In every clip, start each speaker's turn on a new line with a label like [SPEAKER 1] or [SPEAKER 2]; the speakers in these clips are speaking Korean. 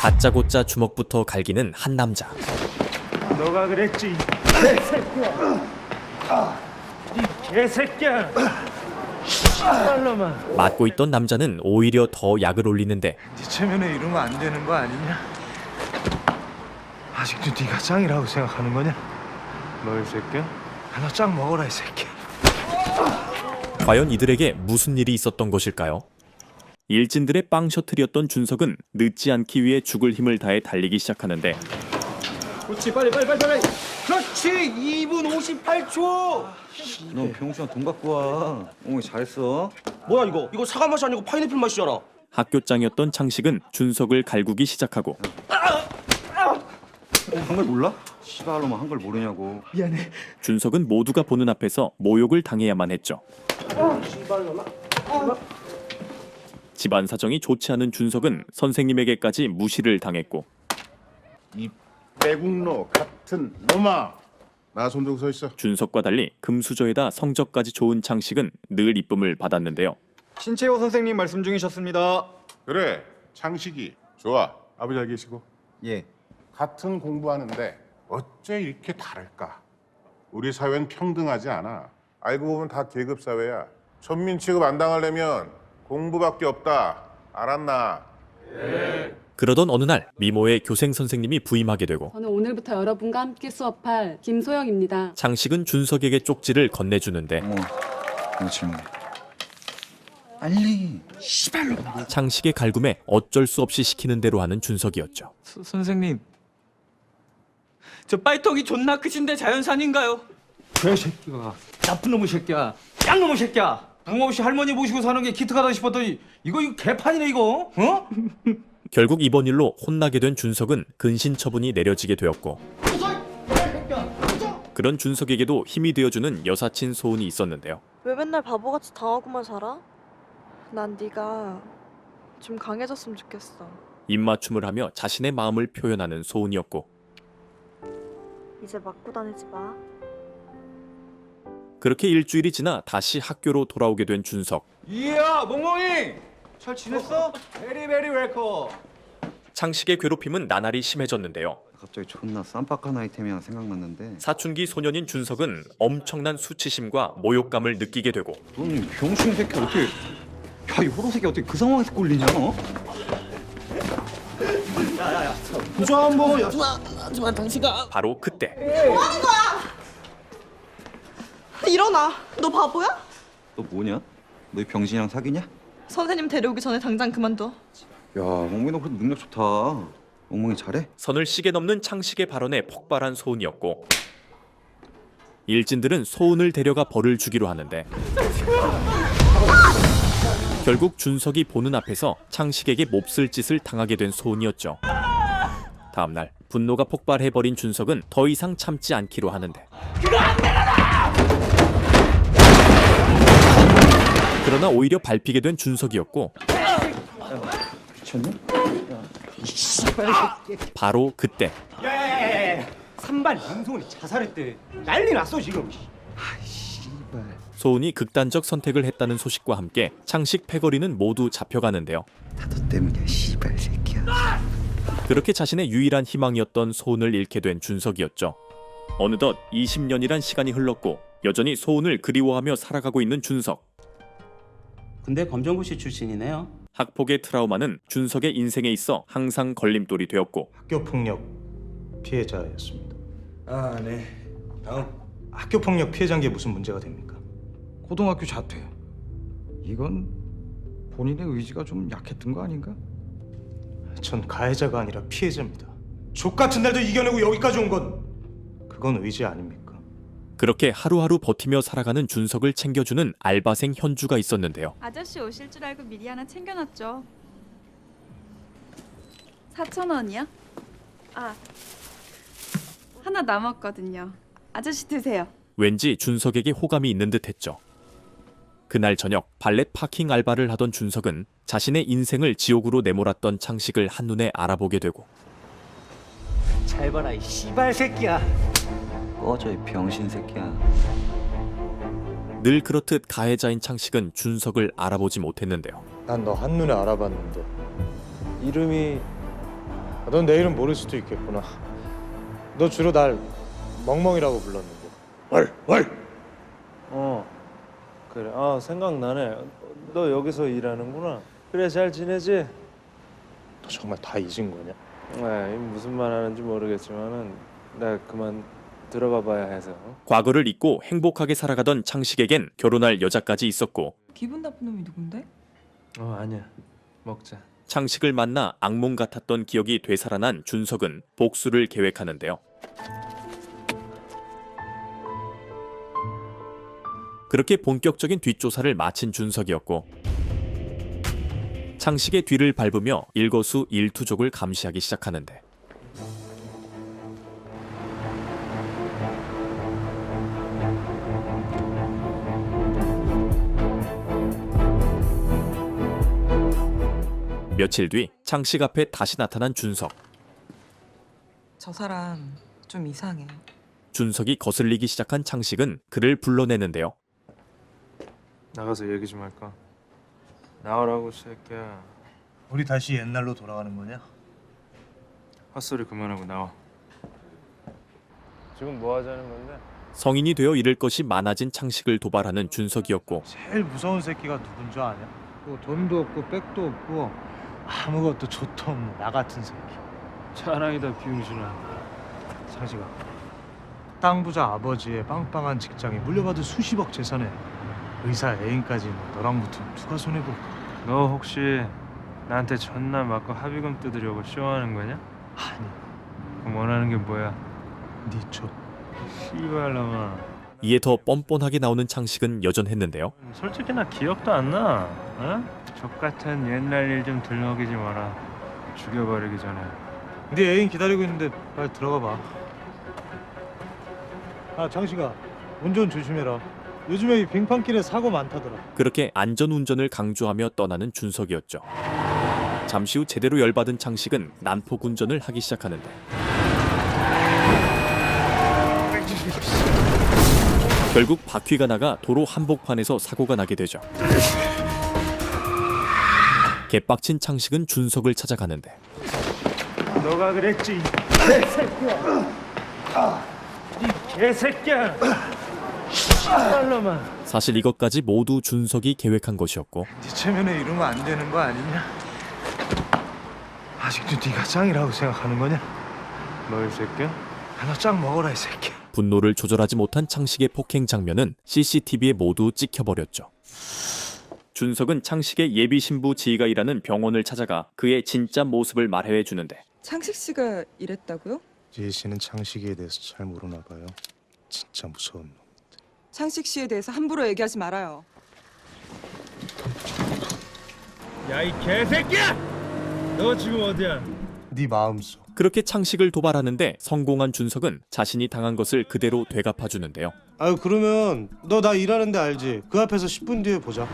[SPEAKER 1] 다짜고짜 주먹부터 갈기는 한 남자.
[SPEAKER 2] 너가 그랬지, 이 개새끼야. 이 개새끼야. 씨발놈아.
[SPEAKER 1] 맞고 있던 남자는 오히려 더 약을 올리는데
[SPEAKER 2] 네 체면에 이러면 안 되는 거 아니냐? 아직도 네가 짱이라고 생각하는 거냐? 너 이 새끼야? 너 짱 먹어라 이 새끼.
[SPEAKER 1] 과연 이들에게 무슨 일이 있었던 것일까요? 일진들의 빵 셔틀이었던 준석은 늦지 않기 위해 죽을 힘을 다해 달리기 시작하는데
[SPEAKER 3] 그렇지, 빨리. 그렇지, 2분 58초.
[SPEAKER 4] 너 병수야 돈 갖고 와. 잘했어.
[SPEAKER 3] 뭐야 이거? 이거 사과 맛이 아니고 파인애플 맛이잖아.
[SPEAKER 1] 학교장이었던 창식은 준석을 갈구기 시작하고
[SPEAKER 4] 한글 몰라? 시발로만 한글 모르냐고.
[SPEAKER 1] 준석은 모두가 보는 앞에서 모욕을 당해야만 했죠. 집안 사정이 좋지 않은 준석은 선생님에게까지 무시를 당했고
[SPEAKER 5] 이 빼국노 같은 놈아, 나 손 들고 서 있어.
[SPEAKER 1] 준석과 달리 금수저에다 성적까지 좋은 창식은 늘 이쁨을 받았는데요.
[SPEAKER 4] 신채호 선생님 말씀 중이셨습니다.
[SPEAKER 5] 그래, 창식이 좋아. 아버지 잘 계시고.
[SPEAKER 4] 예.
[SPEAKER 5] 같은 공부하는데 어째 이렇게 다를까? 우리 사회는 평등하지 않아. 알고 보면 다 계급 사회야. 천민 취급 안 당하려면 공부밖에 없다. 알았나?
[SPEAKER 1] 그러던 어느 날 미모의 교생 선생님이 부임하게 되고
[SPEAKER 6] 저는 오늘부터 여러분과 함께 수업할 김소영입니다.
[SPEAKER 1] 창식은 준석에게 쪽지를 건네주는데
[SPEAKER 4] 뭐 질문. 빨리. 시발로.
[SPEAKER 1] 창식의 갈굼에 어쩔 수 없이 시키는 대로 하는 준석이었죠.
[SPEAKER 7] 선생님, 저 빨통이 존나 크신데 자연산인가요?
[SPEAKER 3] 개새끼가 나쁜 놈의 새끼야. 짱놈의 새끼야. 부모 없이 할머니 모시고 사는 게 기특하다 싶었더니 이거 개판이네 이거. 어?
[SPEAKER 1] 결국 이번 일로 혼나게 된 준석은 근신 처분이 내려지게 되었고 그런 준석에게도 힘이 되어주는 여사친 소은이 있었는데요.
[SPEAKER 8] 왜 맨날 바보같이 당하고만 살아? 난 네가 좀 강해졌으면 좋겠어.
[SPEAKER 1] 입맞춤을 하며 자신의 마음을 표현하는 소은이었고
[SPEAKER 8] 이제 맞고 다니지 마.
[SPEAKER 1] 그렇게 일주일이 지나 다시 학교로 돌아오게 된 준석.
[SPEAKER 3] 이야, 멍멍이. 잘 지냈어? 베리베리 웰컴.
[SPEAKER 1] 창식의 괴롭힘은 나날이 심해졌는데요.
[SPEAKER 4] 갑자기 존나 쌈박한 아이템이 하나 생각났는데.
[SPEAKER 1] 사춘기 소년인 준석은 엄청난 수치심과 모욕감을 느끼게 되고
[SPEAKER 4] 너는 병신 새끼 어떻게? 야, 이 호로 새끼 어떻게 그 상황에서 꼴리냐? 너?
[SPEAKER 3] 부자 한번.
[SPEAKER 1] 바로 그때
[SPEAKER 8] 일어나. 너 바보야?
[SPEAKER 4] 너 뭐냐? 너 이 병신이랑 사귀냐?
[SPEAKER 8] 선생님 데려오기 전에 당장 그만둬.
[SPEAKER 4] 야, 멍멍이 너 그래도 능력 좋다. 멍멍이 잘해?
[SPEAKER 1] 선을 시계 넘는 창식의 발언에 폭발한 소은이었고 일진들은 소은을 데려가 벌을 주기로 하는데 결국 준석이 보는 앞에서 창식에게 몹쓸 짓을 당하게 된 소은이었죠. 다음날 분노가 폭발해버린 준석은 더 이상 참지 않기로 하는데 그러나 오히려 밟히게 된 준석이었고
[SPEAKER 4] 미쳤냐?
[SPEAKER 1] 바로 그때
[SPEAKER 2] 야야야야야. 산발 임소은이 자살했대. 난리 났어 지금.
[SPEAKER 1] 소은이 극단적 선택을 했다는 소식과 함께 창식 패거리는 모두 잡혀가는데요.
[SPEAKER 4] 다 너 때문이야, 씨발 새끼야.
[SPEAKER 1] 그렇게 자신의 유일한 희망이었던 소은을 잃게 된 준석이었죠. 어느덧 20년이란 시간이 흘렀고 여전히 소은을 그리워하며 살아가고 있는 준석.
[SPEAKER 9] 근데 검정고시 출신이네요.
[SPEAKER 1] 학폭의 트라우마는 준석의 인생에 있어 항상 걸림돌이 되었고
[SPEAKER 2] 학교 폭력 피해자였습니다. 아, 네. 다음. 학교 폭력 피해자인 게 무슨 문제가 됩니까?
[SPEAKER 10] 고등학교 자퇴. 이건 본인의 의지가 좀 약했던 거 아닌가?
[SPEAKER 2] 전 가해자가 아니라 피해자입니다. 족 같은 날도 이겨내고 여기까지 온 건 그건 의지 아닙니까?
[SPEAKER 1] 그렇게 하루하루 버티며 살아가는 준석을 챙겨주는 알바생 현주가 있었는데요.
[SPEAKER 11] 아저씨 오실 줄 알고 미리 하나 챙겨놨죠. 4,000원이요? 아, 하나 남았거든요. 아저씨 드세요.
[SPEAKER 1] 왠지 준석에게 호감이 있는 듯했죠. 그날 저녁 발렛 파킹 알바를 하던 준석은 자신의 인생을 지옥으로 내몰았던 창식을 한눈에 알아보게 되고
[SPEAKER 3] 잘 봐라 이 씨발 새끼야.
[SPEAKER 4] 꺼져, 이 병신 새끼야.
[SPEAKER 1] 늘 그렇듯 가해자인 창식은 준석을 알아보지 못했는데요.
[SPEAKER 2] 난 너 한눈에 알아봤는데 이름이 넌 내 이름 모를 수도 있겠구나. 너 주로 날 멍멍이라고 불렀는데. 월.
[SPEAKER 12] 그래. 생각나네. 너 여기서 일하는구나. 그래, 잘 지내지?
[SPEAKER 2] 너 정말 다 잊은 거냐?
[SPEAKER 12] 무슨 말 하는지 모르겠지만은 나 그만 들어가 봐야 해서.
[SPEAKER 1] 과거를 잊고 행복하게 살아가던 창식에겐 결혼할 여자까지 있었고
[SPEAKER 11] 기분 나쁜 놈이 누군데?
[SPEAKER 12] 아니야. 먹자.
[SPEAKER 1] 창식을 만나 악몽 같았던 기억이 되살아난 준석은 복수를 계획하는데요. 그렇게 본격적인 뒷조사를 마친 준석이었고 창식의 뒤를 밟으며 일거수일투족을 감시하기 시작하는데 며칠 뒤 창식 앞에 다시 나타난 준석.
[SPEAKER 11] 저 사람 좀 이상해.
[SPEAKER 1] 준석이 거슬리기 시작한 창식은 그를 불러내는데요.
[SPEAKER 12] 나가서 얘기 좀 할까? 나오라고, 새끼야.
[SPEAKER 2] 우리 다시 옛날로 돌아가는 거냐?
[SPEAKER 12] 헛소리 그만하고 나와. 지금 뭐 하자는 건데?
[SPEAKER 1] 성인이 되어 잃을 것이 많아진 창식을 도발하는 준석이었고
[SPEAKER 2] 제일 무서운 새끼가 누군 줄 아냐? 뭐 돈도 없고 백도 없고 아무것도 좋도 없는 나 같은 새끼.
[SPEAKER 12] 자랑이다, 비용신아.
[SPEAKER 2] 창식아, 땅 부자 아버지의 빵빵한 직장에 물려받은 수십억 재산에 의사 애인까지 있는 너랑 붙으면 누가 손해볼까?
[SPEAKER 12] 너 혹시 나한테 전날 맞고 합의금 뜯으려고 쇼하는 거냐?
[SPEAKER 2] 아니,
[SPEAKER 12] 그럼 원하는 게 뭐야?
[SPEAKER 2] 네 조.
[SPEAKER 12] 씨발놈아.
[SPEAKER 1] 이에 더 뻔뻔하게 나오는 창식은 여전했는데요.
[SPEAKER 12] 솔직히 나 기억도 안 나. 어? 족같은 옛날 일 좀 들먹이지 마라. 죽여버리기 전에.
[SPEAKER 2] 네 애인 기다리고 있는데 빨리 들어가 봐. 창식아, 운전 조심해라. 요즘에 이 빙판길에 사고 많다더라.
[SPEAKER 1] 그렇게 안전운전을 강조하며 떠나는 준석이었죠. 잠시 후 제대로 열받은 창식은 난폭 운전을 하기 시작하는데 결국 바퀴가 나가 도로 한복판에서 사고가 나게 되죠. 개빡친 창식은 준석을 찾아가는데
[SPEAKER 12] 너가 그랬지, 이 개새끼야. 씨발놈아.
[SPEAKER 1] 사실 이것까지 모두 준석이 계획한 것이었고
[SPEAKER 2] 네 체면에 이러면 안 되는 거 아니냐? 아직도 네가 짱이라고 생각하는 거냐?
[SPEAKER 12] 너 이 새끼야?
[SPEAKER 2] 너 짱 먹어라 이 새끼.
[SPEAKER 1] 분노를 조절하지 못한 창식의 폭행 장면은 CCTV에 모두 찍혀버렸죠. 준석은 창식의 예비 신부 지희가 일하는 병원을 찾아가 그의 진짜 모습을 말해 주는데
[SPEAKER 11] 창식 씨가 이랬다고요?
[SPEAKER 2] 지혜 씨는 창식이에 대해서 잘 모르나 봐요. 진짜 무서운 놈.
[SPEAKER 11] 창식 씨에 대해서 함부로 얘기하지 말아요.
[SPEAKER 12] 야, 이 개새끼야! 너 지금 어디야?
[SPEAKER 2] 네 마음속.
[SPEAKER 1] 그렇게 창식을 도발하는데 성공한 준석은 자신이 당한 것을 그대로 되갚아주는데요.
[SPEAKER 2] 아유, 그러면 너 나 일하는 데 알지? 그 앞에서 10분 뒤에 보자.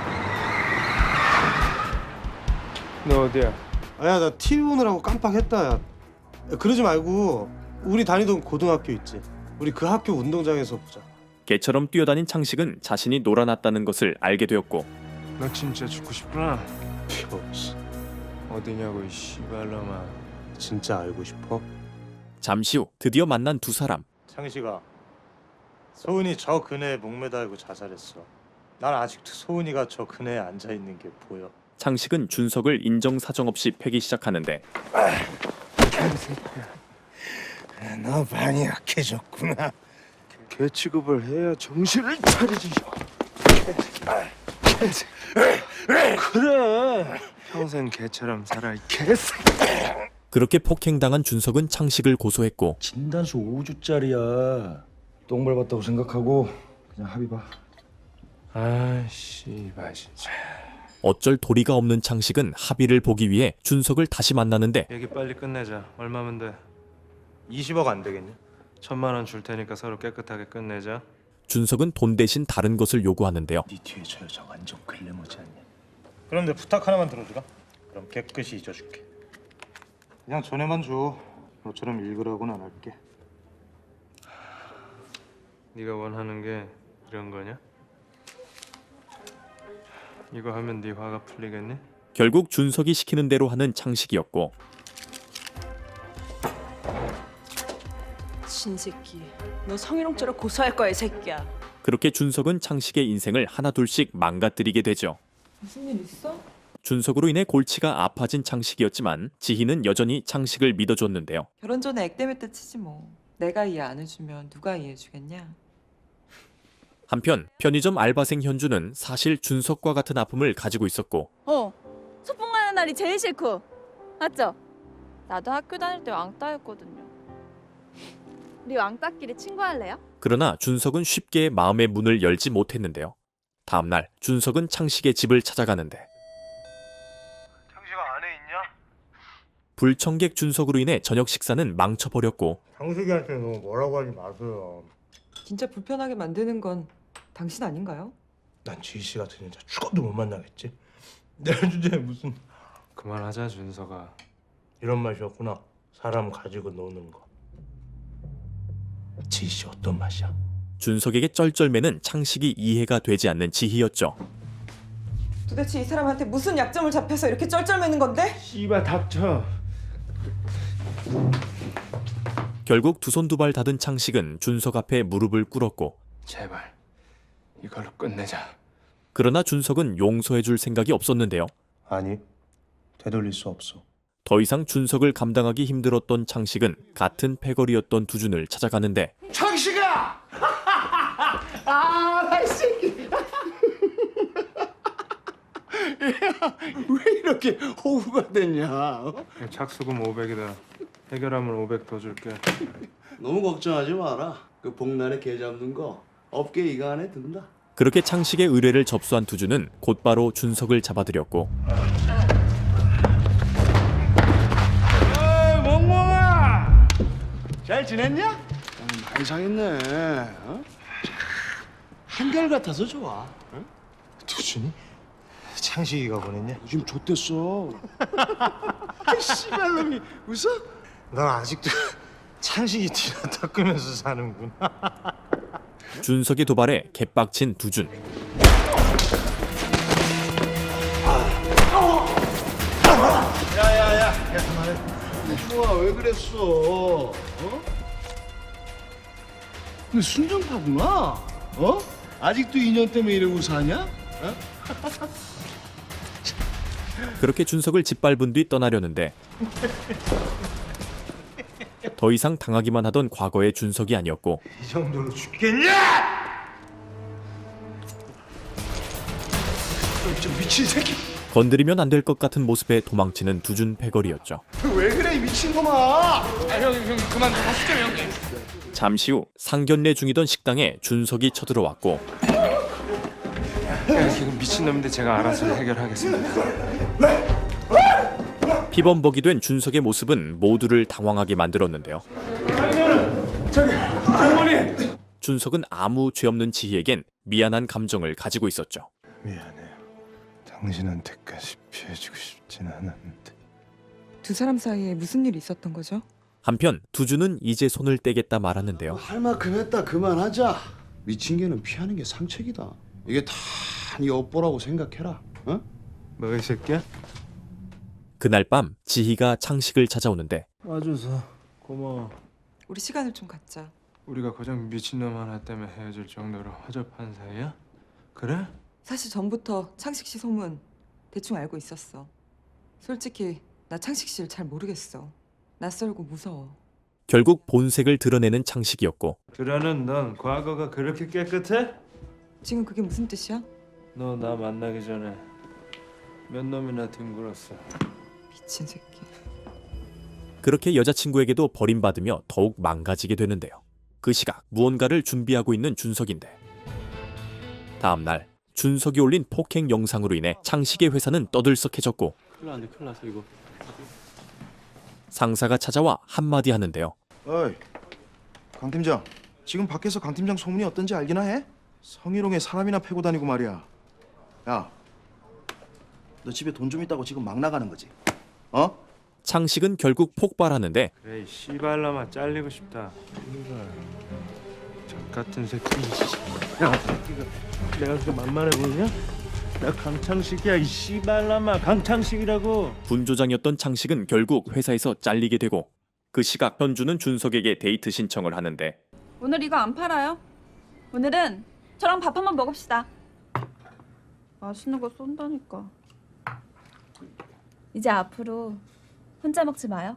[SPEAKER 12] 너 어디야?
[SPEAKER 2] 아야, 나 TV 보느라고 깜빡했다. 야, 그러지 말고 우리 다니던 고등학교 있지? 우리 그 학교 운동장에서 보자.
[SPEAKER 1] 개처럼 뛰어다닌 창식은 자신이 놀아났다는 것을 알게 되었고
[SPEAKER 12] 너 진짜 죽고 싶구나.
[SPEAKER 2] 씨,
[SPEAKER 12] 어디냐고, 이 씨발놈아.
[SPEAKER 2] 진짜 알고 싶어?
[SPEAKER 1] 잠시 후 드디어 만난 두 사람.
[SPEAKER 2] 창식아, 소은이 저 그네에 목매달고 자살했어. 난 아직도 소은이가 저 그네에 앉아있는 게 보여.
[SPEAKER 1] 창식은 준석을 인정사정 없이 패기 시작하는데
[SPEAKER 2] 너 많이 약해졌구나.
[SPEAKER 12] 개 취급을 해야 정신을 차리지. 그래, 평생 개처럼 살아, 이 개새끼.
[SPEAKER 1] 그렇게 폭행당한 준석은 창식을 고소했고
[SPEAKER 10] 진단수 5주짜리야. 똥 밟았다고 생각하고 그냥 합의 봐.
[SPEAKER 12] 아, 씨발 진짜.
[SPEAKER 1] 어쩔 도리가 없는 창식은 합의를 보기 위해 준석을 다시 만나는데
[SPEAKER 12] 얘기 빨리 끝내자. 얼마면 돼?
[SPEAKER 2] 20억 안 되겠냐?
[SPEAKER 12] 1,000만 원 줄 테니까 서로 깨끗하게 끝내자.
[SPEAKER 1] 준석은 돈 대신 다른 것을 요구하는데요.
[SPEAKER 2] 네 뒤에 저 여자 완전 글래머지 않냐? 그런데 부탁 하나만 들어주라. 그럼 깨끗이 잊어줄게. 그냥 전에만 줘. 너처럼 읽으라고는 안 할게.
[SPEAKER 12] 네가 원하는 게 이런 거냐? 이거 하면 네 화가 풀리겠니?
[SPEAKER 1] 결국 준석이 시키는 대로 하는 창식이었고
[SPEAKER 8] 미친 새끼. 너 성희롱죄로 고소할 거야, 이 새끼야.
[SPEAKER 1] 그렇게 준석은 창식의 인생을 하나둘씩 망가뜨리게 되죠.
[SPEAKER 11] 무슨 일 있어?
[SPEAKER 1] 준석으로 인해 골치가 아파진 창식이었지만 지희는 여전히 창식을 믿어줬는데요.
[SPEAKER 11] 결혼 전에 액땜했다 치지 뭐. 내가 이해 안 해주면 누가 이해해주겠냐?
[SPEAKER 1] 한편 편의점 알바생 현주는 사실 준석과 같은 아픔을 가지고 있었고
[SPEAKER 8] 소풍 가는 날이 제일 싫고. 맞죠? 나도 학교 다닐 때 왕따였거든요. 우리 왕따끼리 친구할래요?
[SPEAKER 1] 그러나 준석은 쉽게 마음의 문을 열지 못했는데요. 다음 날 준석은 창식의 집을 찾아가는데
[SPEAKER 2] 창식아 안에 있냐?
[SPEAKER 1] 불청객 준석으로 인해 저녁 식사는 망쳐버렸고
[SPEAKER 2] 창식이한테 너무 뭐라고 하지 마세요.
[SPEAKER 11] 진짜 불편하게 만드는 건 당신 아닌가요?
[SPEAKER 2] 난 지희 씨 같은 여자 죽어도 못 만나겠지. 내 주제에 무슨
[SPEAKER 12] 그만하자 준서가.
[SPEAKER 2] 이런 맛이었구나. 사람 가지고 노는 거. 지희 씨 어떤 맛이야?
[SPEAKER 1] 준석에게 쩔쩔매는 창식이 이해가 되지 않는 지희였죠.
[SPEAKER 11] 도대체 이 사람한테 무슨 약점을 잡혀서 이렇게 쩔쩔매는 건데?
[SPEAKER 12] 씨발 닥쳐.
[SPEAKER 1] 결국 두 손 두 발 닫은 창식은 준석 앞에 무릎을 꿇었고
[SPEAKER 12] 제발 이걸로 끝내자.
[SPEAKER 1] 그러나 준석은 용서해줄 생각이 없었는데요.
[SPEAKER 2] 아니, 되돌릴 수 없어.
[SPEAKER 1] 더 이상 준석을 감당하기 힘들었던 창식은 같은 패거리였던 두준을 찾아가는데
[SPEAKER 2] 창식아! 이 새끼. 왜 이렇게 호구가 됐냐?
[SPEAKER 12] 착수금 500이다. 해결하면 500 더 줄게.
[SPEAKER 13] 너무 걱정하지 마라. 그 복날에 개 잡는 거 업계 이가 안에 든다.
[SPEAKER 1] 그렇게 창식의 의뢰를 접수한 두준은 곧바로 준석을 잡아들였고
[SPEAKER 13] 멍멍아! 잘 지냈냐? 많이 상했네. 어? 한결같아서 좋아. 어?
[SPEAKER 2] 두준이? 창식이가 보냈냐?
[SPEAKER 13] 요즘 좆됐어. 씨발놈이 웃어?
[SPEAKER 2] 넌 아직도 창식이 뒤나 닦으면서 사는구나.
[SPEAKER 1] 준석의 도발에 개빡친 두준.
[SPEAKER 13] 야야야, 멍멍아 왜 그랬어? 어? 너 순정파구나. 어? 아직도 인연 때문에 이러고 사냐? 어?
[SPEAKER 1] 그렇게 준석을 짓밟은 뒤 떠나려는데 더 이상 당하기만 하던 과거의 준석이 아니었고
[SPEAKER 2] 이 정도로 죽겠냐?
[SPEAKER 13] 저 미친 새끼.
[SPEAKER 1] 건드리면 안 될 것 같은 모습에 도망치는 두준 패거리였죠.
[SPEAKER 13] 왜 그래 이 미친놈아?
[SPEAKER 7] 형 그만 하시죠 형님.
[SPEAKER 1] 잠시 후 상견례 중이던 식당에 준석이 쳐들어왔고
[SPEAKER 12] 지금 미친놈인데 제가 알아서 해결하겠습니다.
[SPEAKER 1] 피범벅이 된 준석의 모습은 모두를 당황하게 만들었는데요. 준석은 아무 죄 없는 지희에겐 미안한 감정을 가지고 있었죠.
[SPEAKER 2] 미안해요. 당신한테까지 피해주고 싶진 않았는데.
[SPEAKER 11] 두 사람 사이에 무슨 일이 있었던 거죠?
[SPEAKER 1] 한편 두준은 이제 손을 떼겠다 말하는데요.
[SPEAKER 13] 할 만큼 했다 그만하자. 미친 개는 피하는 게 상책이다. 이게 다 네 업보라고 생각해라. 어?
[SPEAKER 12] 뭐 이 새끼야?
[SPEAKER 1] 그날 밤 지희가 창식을 찾아오는데
[SPEAKER 12] 와줘서 고마워.
[SPEAKER 11] 우리 시간을 좀 갖자.
[SPEAKER 12] 우리가 고작 미친놈 하나 때문에 헤어질 정도로 허접한 사이야? 그래?
[SPEAKER 11] 사실 전부터 창식 씨 소문 대충 알고 있었어. 솔직히 나 창식 씨를 잘 모르겠어. 낯설고 무서워.
[SPEAKER 1] 결국 본색을 드러내는 창식이었고
[SPEAKER 12] 그러는 넌 과거가 그렇게 깨끗해?
[SPEAKER 11] 지금 그게 무슨 뜻이야?
[SPEAKER 12] 너 나 만나기 전에 몇 놈이나 뒹굴었어.
[SPEAKER 11] 미친 새끼.
[SPEAKER 1] 그렇게 여자친구에게도 버림받으며 더욱 망가지게 되는데요. 그 시각 무언가를 준비하고 있는 준석인데 다음 날 준석이 올린 폭행 영상으로 인해 창식의 회사는 떠들썩해졌고
[SPEAKER 13] 큰일 났어 이거.
[SPEAKER 1] 상사가 찾아와 한마디 하는데요.
[SPEAKER 14] 어이, 강 팀장. 지금 밖에서 강 팀장 소문이 어떤지 알기나 해? 성희롱에 사람이나 패고 다니고 말이야. 야, 너 집에 돈 좀 있다고 지금 막 나가는 거지? 어?
[SPEAKER 1] 창식은 결국 폭발하는데
[SPEAKER 12] 그래 이 씨발놈아 잘리고 싶다. 저 같은 새끼. 야, 내가 그렇게 만만해 보이냐? 나 강창식이야 이 씨발놈아. 강창식이라고.
[SPEAKER 1] 분조장이었던 창식은 결국 회사에서 잘리게 되고 그 시각 현주는 준석에게 데이트 신청을 하는데
[SPEAKER 8] 오늘 이거 안 팔아요. 오늘은 저랑 밥 한번 먹읍시다. 맛있는 거 쏜다니까. 이제 앞으로 혼자 먹지 마요.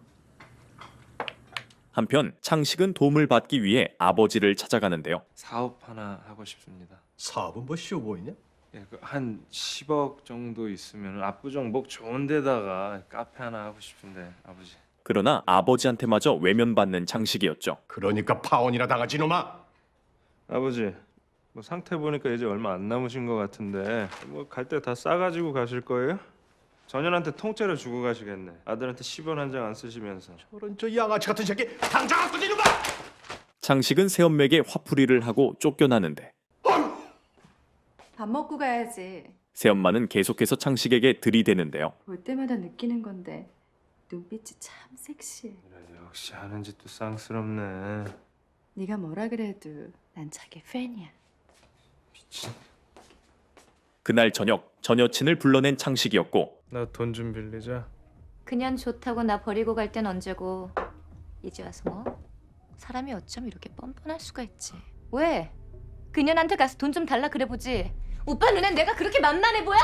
[SPEAKER 1] 한편 창식은 도움을 받기 위해 아버지를 찾아가는데요.
[SPEAKER 12] 사업 하나 하고 싶습니다.
[SPEAKER 3] 사업은 뭐 쉬워 보이냐?
[SPEAKER 12] 예, 한 10억 정도 있으면 압구정목 좋은 데다가 카페 하나 하고 싶은데 아버지.
[SPEAKER 1] 그러나 아버지한테마저 외면받는 창식이었죠.
[SPEAKER 3] 그러니까 파혼이나 당하지 놈아.
[SPEAKER 12] 아버지, 뭐 상태 보니까 이제 얼마 안 남으신 것 같은데 뭐 갈 때 다 싸가지고 가실 거예요? 전현한테 통째로 주고 가시겠네. 아들한테 10원 한 장 안 쓰시면서.
[SPEAKER 3] 저런 저 양아치 같은 새끼 당장 안 꺼지 놈아.
[SPEAKER 1] 창식은 새엄맥에 화풀이를 하고 쫓겨나는데
[SPEAKER 6] 밥 먹고 가야지.
[SPEAKER 1] 새엄마는 계속해서 창식에게 들이대는데요.
[SPEAKER 6] 볼 때마다 느끼는 건데 눈빛이 참 섹시해.
[SPEAKER 12] 그래, 역시 하는 짓도 쌍스럽네.
[SPEAKER 6] 네가 뭐라 그래도 난 자기 팬이야.
[SPEAKER 12] 미친.
[SPEAKER 1] 그날 저녁 전 여친을 불러낸 창식이었고
[SPEAKER 12] 나 돈 좀 빌리자.
[SPEAKER 8] 그냥 좋다고 나 버리고 갈 땐 언제고 이제 와서 뭐? 사람이 어쩜 이렇게 뻔뻔할 수가 있지. 왜? 그년한테 가서 돈 좀 달라 그래 보지. 오빠 눈엔 내가 그렇게 만만해 보여?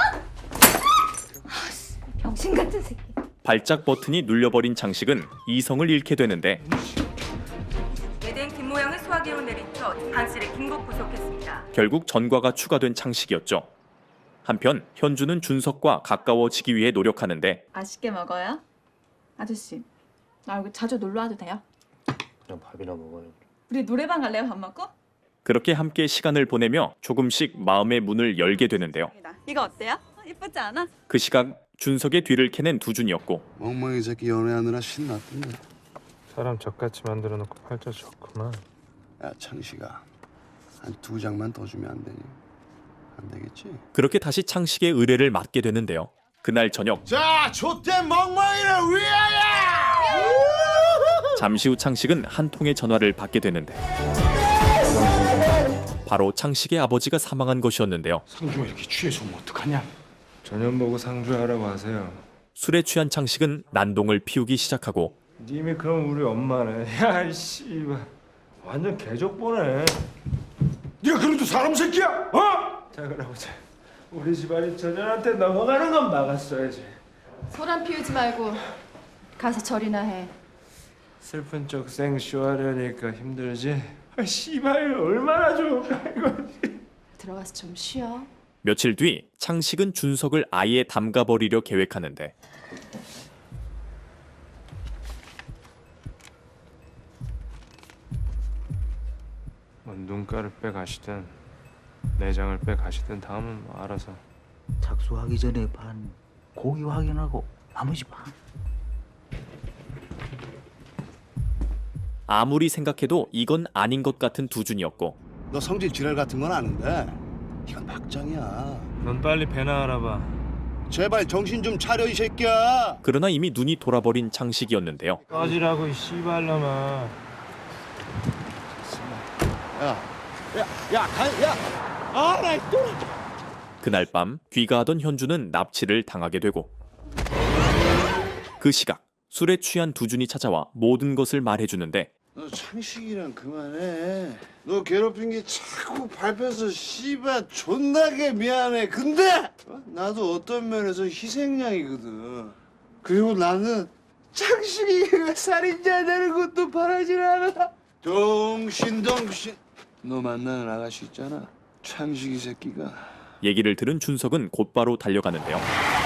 [SPEAKER 8] 병신 같은 새끼.
[SPEAKER 1] 발작 버튼이 눌려버린 창식은 이성을 잃게 되는데
[SPEAKER 11] 예된 김모양을 소화기로 내리쳐 반실에 긴급 구속했습니다.
[SPEAKER 1] 결국 전과가 추가된 창식이었죠. 한편 현주는 준석과 가까워지기 위해 노력하는데
[SPEAKER 8] 맛있게 먹어요. 아저씨, 나 여기 자주 놀러 와도 돼요?
[SPEAKER 2] 그냥 밥이나 먹어요.
[SPEAKER 8] 우리 노래방 갈래요? 밥 먹고?
[SPEAKER 1] 그렇게 함께 시간을 보내며 조금씩 마음의 문을 열게 되는데요.
[SPEAKER 8] 이거 어때요? 예쁘지 않아?
[SPEAKER 1] 그 시각 준석의 뒤를 캐낸 두준이었고
[SPEAKER 13] 멍멍이 새끼 연애하느라 신났던데.
[SPEAKER 12] 사람 적같이 만들어 놓고 팔자 좋구만.
[SPEAKER 13] 야 창식아, 한 2장만 더 주면 안 되니? 안 되겠지?
[SPEAKER 1] 그렇게 다시 창식의 의뢰를 맡게 되는데요. 그날 저녁
[SPEAKER 13] 자, 좆된 멍멍이를 위하여!
[SPEAKER 1] 잠시 후 창식은 한 통의 전화를 받게 되는데 바로 창식의 아버지가 사망한 것이었는데요.
[SPEAKER 3] 상주가 이렇게 취해서 오면 어떡하냐?
[SPEAKER 12] 전현 보고 상주하라고 하세요.
[SPEAKER 1] 술에 취한 창식은 난동을 피우기 시작하고
[SPEAKER 12] 님이 그럼 우리 엄마네. 야 씨발 완전 개족보네.
[SPEAKER 3] 네가 그래도 사람 새끼야? 어?
[SPEAKER 12] 자 그러보자. 우리 집안이 전현한테 넘어가는 건 막았어야지.
[SPEAKER 6] 소란 피우지 말고 가서 절이나 해.
[SPEAKER 12] 슬픈 쪽 생쇼하려니까 힘들지. 아 씨발 얼마나 좋을까 이거.
[SPEAKER 6] 들어가서 좀 쉬어.
[SPEAKER 1] 며칠 뒤 창식은 준석을 아예 담가버리려 계획하는데
[SPEAKER 12] 뭐 눈가를 빼가시든 내장을 빼가시든 다음은 뭐 알아서.
[SPEAKER 9] 착수하기 전에 반, 고기 확인하고 나머지 반.
[SPEAKER 1] 아무리 생각해도 이건 아닌 것 같은 두준이었고
[SPEAKER 13] 너 성질 지랄 같은 건 아는데 이건 막장이야.
[SPEAKER 12] 넌 빨리 배나 알아봐.
[SPEAKER 13] 제발 정신 좀 차려 이 새끼야.
[SPEAKER 1] 그러나 이미 눈이 돌아버린 창식이었는데요.
[SPEAKER 12] 꺼지라고 이 씨발놈아.
[SPEAKER 1] 그날 밤 귀가하던 현주는 납치를 당하게 되고 그 시각 술에 취한 두준이 찾아와 모든 것을 말해주는데
[SPEAKER 13] 너 창식이랑 그만해. 너 괴롭힌 게 자꾸 밟혀서 씨발 존나게 미안해. 근데 나도 어떤 면에서 희생양이거든. 그리고 나는 창식이가 살인자 되는 것도 바라질 않아. 동신 너 만나는 아가씨 있잖아. 창식이 새끼가.
[SPEAKER 1] 얘기를 들은 준석은 곧바로 달려가는데요.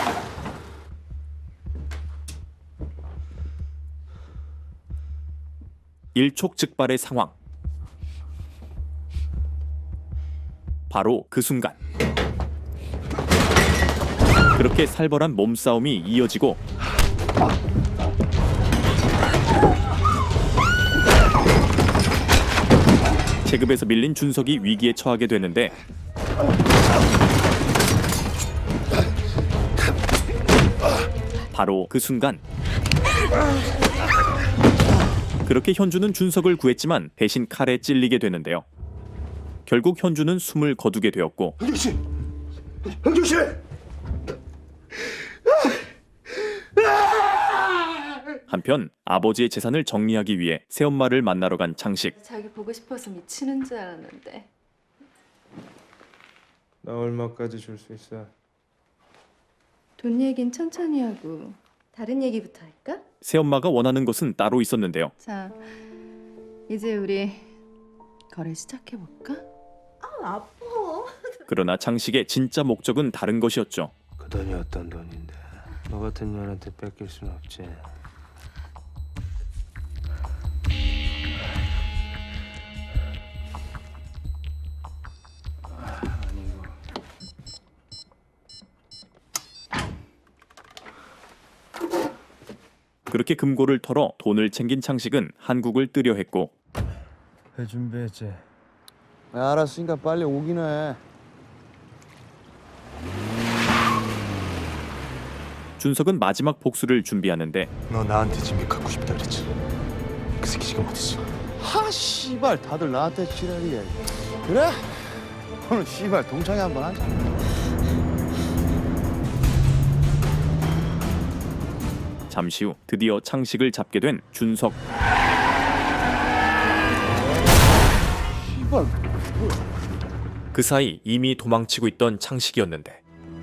[SPEAKER 1] 일촉즉발의 상황. 바로 그 순간 그렇게 살벌한 몸싸움이 이어지고 체급에서 밀린 준석이 위기에 처하게 되는데 바로 그 순간 그렇게 현주는 준석을 구했지만 대신 칼에 찔리게 되는데요. 결국 현주는 숨을 거두게 되었고
[SPEAKER 3] 형주씨! 형주씨!
[SPEAKER 1] 한편 아버지의 재산을 정리하기 위해 새엄마를 만나러 간 창식.
[SPEAKER 8] 자기 보고 싶어서 미치는 줄 알았는데.
[SPEAKER 12] 나 얼마까지 줄 수 있어?
[SPEAKER 8] 돈 얘긴 천천히 하고 다른 얘기부터 할까?
[SPEAKER 1] 새엄마가 원하는 것은 따로 있었는데요.
[SPEAKER 8] 자, 이제 우리 거래 시작해볼까? 아파.
[SPEAKER 1] 그러나 창식의 진짜 목적은 다른 것이었죠.
[SPEAKER 12] 그 돈이 어떤 돈인데? 너 같은 년한테 뺏길 순 없지.
[SPEAKER 1] 그렇게 금고를 털어 돈을 챙긴 창식은 한국을 뜨려 했고
[SPEAKER 12] 회 준비했지.
[SPEAKER 13] 알았으니까 빨리 오긴 해.
[SPEAKER 1] 준석은 마지막 복수를 준비하는데
[SPEAKER 2] 너 나한테 진비 갖고 싶다 그랬지. 그 새끼 지금 어딨어?
[SPEAKER 13] 하 씨발 다들 나한테 지랄이야. 그래? 오늘 씨발 동창회 한번 하자.
[SPEAKER 1] 잠시 후 드디어 창식을 잡게 된 준석.
[SPEAKER 13] 씨발.
[SPEAKER 1] 그 사이 이미 도망치고 있던 창식이었는데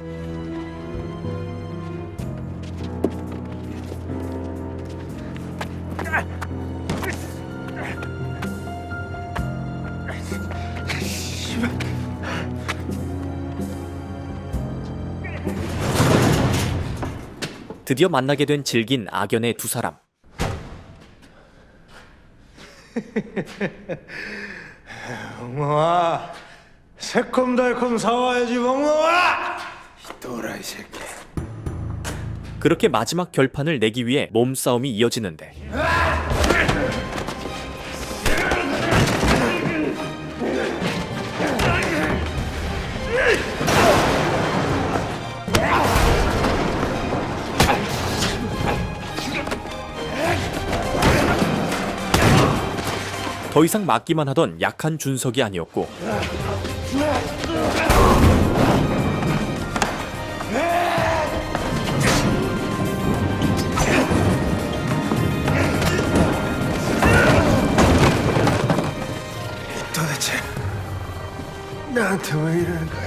[SPEAKER 1] 드디어 만나게 된 질긴 악연의 두 사람.
[SPEAKER 2] 멍멍아, 새콤달콤 사와야지 멍멍아. 또라이 새끼.
[SPEAKER 1] 그렇게 마지막 결판을 내기 위해 몸싸움이 이어지는데 더 이상 맞기만 하던 약한 준석이 아니었고
[SPEAKER 2] 도대체 나한테 왜 이러는 거야?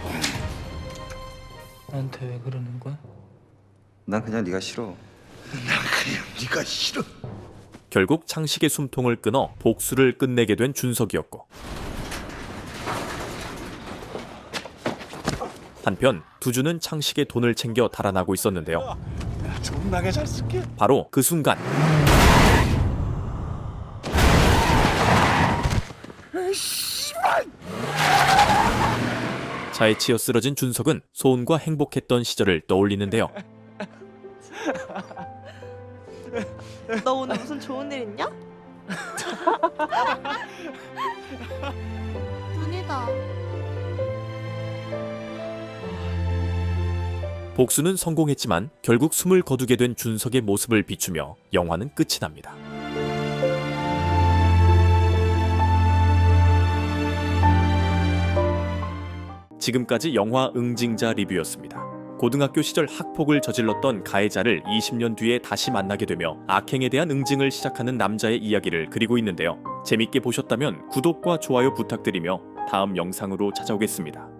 [SPEAKER 3] 나한테 왜 그러는 거야?
[SPEAKER 4] 난 그냥 네가 싫어.
[SPEAKER 2] 난 그냥 네가 싫어.
[SPEAKER 1] 결국 창식의 숨통을 끊어 복수를 끝내게 된 준석이었고 한편 두주는 창식의 돈을 챙겨 달아나고 있었는데요.
[SPEAKER 2] 존나게 잘 쓸게.
[SPEAKER 1] 바로 그 순간 차에 치여 쓰러진 준석은 소은과 행복했던 시절을 떠올리는데요.
[SPEAKER 15] 너 오늘 무슨 좋은 일 있냐? 눈이다.
[SPEAKER 1] 복수는 성공했지만 결국 숨을 거두게 된 준석의 모습을 비추며 영화는 끝이 납니다. 지금까지 영화 응징자 리뷰였습니다. 고등학교 시절 학폭을 저질렀던 가해자를 20년 뒤에 다시 만나게 되며 악행에 대한 응징을 시작하는 남자의 이야기를 그리고 있는데요. 재밌게 보셨다면 구독과 좋아요 부탁드리며 다음 영상으로 찾아오겠습니다.